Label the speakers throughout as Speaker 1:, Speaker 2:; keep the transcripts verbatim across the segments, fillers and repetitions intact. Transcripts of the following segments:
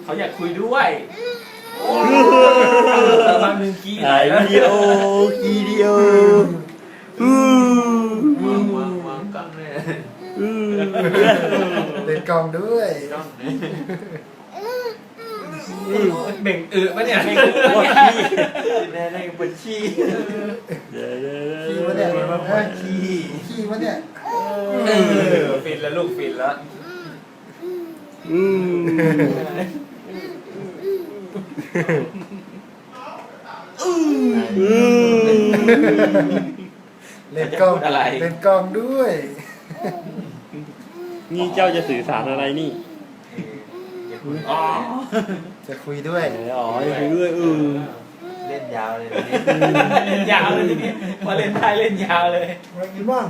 Speaker 1: เขาอยากคุยด้วยบางหนึ่งกี้
Speaker 2: ถ่ายวิดีโอคีเดียวอือ
Speaker 1: วางวางวางกล้องเลย
Speaker 2: อือ
Speaker 3: เล่นกล้องด้วย
Speaker 1: กล้องเบ่งอึปะเนี่ยเบ่งอึปะเนี่ยแน่แน่ปวดขี้
Speaker 2: เดี๋ยวเดี๋ยว
Speaker 3: ขี้
Speaker 2: เดี๋ยว
Speaker 3: วะเนี่ย
Speaker 1: มันปวดขี้
Speaker 3: ขี้วะเนี่ย
Speaker 1: ฟินแล้วลูกฟินแล้ว
Speaker 2: อืมอืม
Speaker 3: เล่นกล้องเล่นกล้องด้วย
Speaker 2: นี่เจ้าจะสื่อสารอะไรนี่
Speaker 1: อ๋อ
Speaker 3: จะคุยด้วย
Speaker 2: อ๋อจะคุยด้วยอือ
Speaker 1: เล่นยาวเลยเล่นยาวเลยทีนี้พอเล่นไทยเล่นยาวเลย
Speaker 3: มากินบ้าง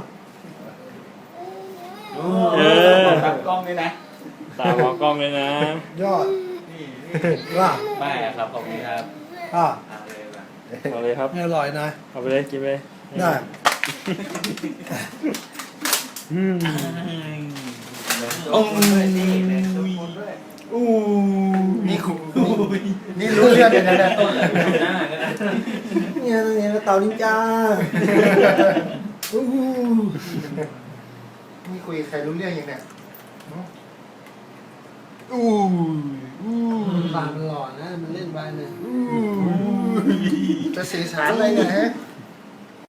Speaker 1: เออตัดกล้องด้วยนะ
Speaker 2: ตามองกล้องเลยนะ
Speaker 3: ยอด
Speaker 1: นี่
Speaker 3: ว่า
Speaker 1: ไม่ครับขอบคุณครับ
Speaker 3: อ่ะ
Speaker 1: เอาเลยว่ะ
Speaker 2: เอาเลยครับ
Speaker 3: อร่อยนะ
Speaker 2: เอาไปเลยกินไปเลย
Speaker 3: ได้
Speaker 2: อืม
Speaker 1: โอ้ยนี่เลยทุกคนด้วย
Speaker 3: อู้นี่คุนี่รู้เรื่องเลยนะเนี่ย
Speaker 1: ต้นเลยหน้าก็ได้
Speaker 3: เนี่ยเนี่ยเต่านินจาอู้นี่คุยใครรู้เรื่องยังเนี่ยอู้อู้
Speaker 4: ปากมันหล่อนะ มันเล่นไปเนี่ย
Speaker 3: อู้จะสื่อสารอะไรเนี่ยฮะ